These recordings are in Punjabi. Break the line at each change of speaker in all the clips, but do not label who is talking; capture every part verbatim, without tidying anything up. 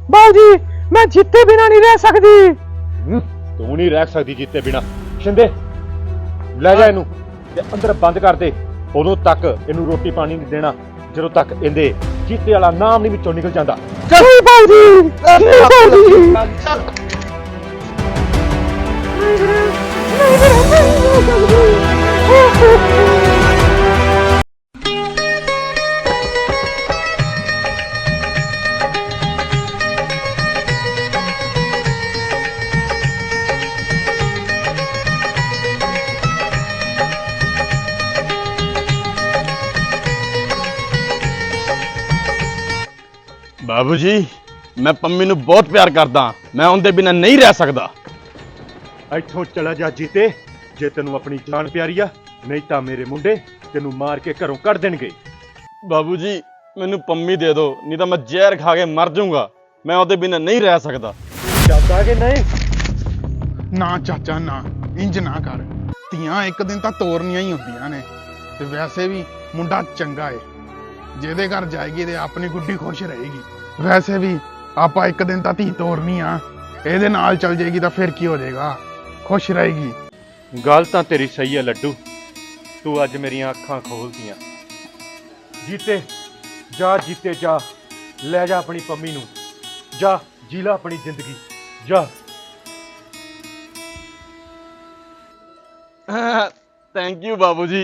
ਬਾਊਜੀ ਮੈਂ ਜਿੱਤੇ ਬਿਨਾ ਨਹੀਂ ਰਹਿ ਸਕਦੀ।
ਤੂੰ ਨਹੀਂ ਰਹਿ ਸਕਦੀ ਜਿੱਤੇ ਬਿਨਾ। ਸ਼ਿੰਦੇ ਲੈ ਜਾ ਇਹਨੂੰ ਤੇ ਅੰਦਰ ਬੰਦ ਕਰ ਦੇ। ਉਦੋਂ ਤੱਕ ਇਹਨੂੰ ਰੋਟੀ ਪਾਣੀ ਨਹੀਂ ਦੇਣਾ ਜਦੋਂ ਤੱਕ ਇਹਦੇ ਜੀਤੇ ਵਾਲਾ ਨਾਮ ਨਹੀਂ ਵਿੱਚੋਂ ਨਿਕਲ ਜਾਂਦਾ।
ਨਹੀਂ ਬਾਊਜੀ ਨਹੀਂ ਬਾਊਜੀ
बाबू जी मैं पम्मी नू बहुत प्यार करदा। मैं उनके बिना नहीं रह सकदा।
ਇੱਥੋਂ ਚਲਾ ਜਾ ਜੀਤੇ ਜੇ ਤੈਨੂੰ ਆਪਣੀ ਜਾਨ ਪਿਆਰੀ ਆ, ਨਹੀਂ ਤਾਂ ਮੇਰੇ ਮੁੰਡੇ ਤੈਨੂੰ ਮਾਰ ਕੇ ਘਰੋਂ ਕੱਢ ਦੇਣਗੇ।
बाबू जी मैनू पम्मी दे दो, नहीं तो मैं जहर खा के मर जाऊंगा। मैं उनके बिना नहीं रह सकदा।
ਜਾਂਦਾ ਕਿ ਨਹੀਂ?
ਨਾ ਚਾਚਾ ਨਾ, ਇੰਜ ਨਾ ਕਰ। ਧੀਆਂ ਇੱਕ ਦਿਨ ਤਾਂ ਤੋਰਨੀਆਂ ਹੀ ਹੁੰਦੀਆਂ ਨੇ ਤੇ ਵੈਸੇ ਵੀ ਮੁੰਡਾ ਚੰਗਾ ਏ। ਜਿਹਦੇ ਘਰ ਜਾਏਗੀ ਤੇ ਆਪਣੀ ਗੁੱਡੀ ਖੁਸ਼ ਰਹੇਗੀ। ਵੈਸੇ ਵੀ ਆਪਾਂ ਇੱਕ ਦਿਨ ਤਾਂ ਧੀ ਤੋਰਨੀ ਆ, ਇਹਦੇ ਨਾਲ ਚੱਲ ਜਾਏਗੀ ਤਾਂ ਫਿਰ ਕੀ ਹੋ ਜਾਏਗਾ, ਖੁਸ਼ ਰਹੇਗੀ।
ਗੱਲ ਤਾਂ ਤੇਰੀ ਸਹੀ ਹੈ ਲੱਡੂ, ਤੂੰ ਅੱਜ ਮੇਰੀਆਂ ਅੱਖਾਂ ਖੋਲਤੀਆਂ। ਜੀਤੇ ਜਾ, ਜੀਤੇ ਜਾ, ਲੈ ਜਾ ਆਪਣੀ ਪੰਮੀ ਨੂੰ, ਜਾ ਜੀ ਲੈ ਆਪਣੀ ਜ਼ਿੰਦਗੀ ਜਾ।
थैंक यू बाबू जी।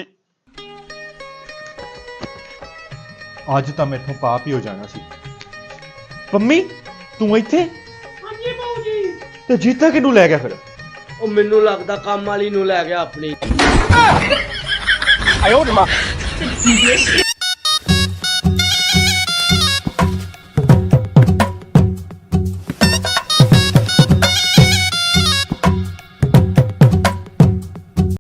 ਅੱਜ ਤਾਂ ਮੈਥੋਂ ਪਾਪ ਹੀ ਹੋ ਜਾਣਾ ਸੀ। ਪੰਮੀ ਤੂੰ ਇੱਥੇ?
ਹਾਂਜੀ ਬਾਊ ਜੀ।
ਤੇ ਜੀਤਾ ਕਿਹਨੂੰ ਲੈ ਗਿਆ ਫਿਰ?
ਉਹ ਮੈਨੂੰ ਲੱਗਦਾ ਕੰਮ ਵਾਲੀ ਨੂੰ ਲੈ ਗਿਆ ਆਪਣੀ।
ਆਇਓ ਨਾ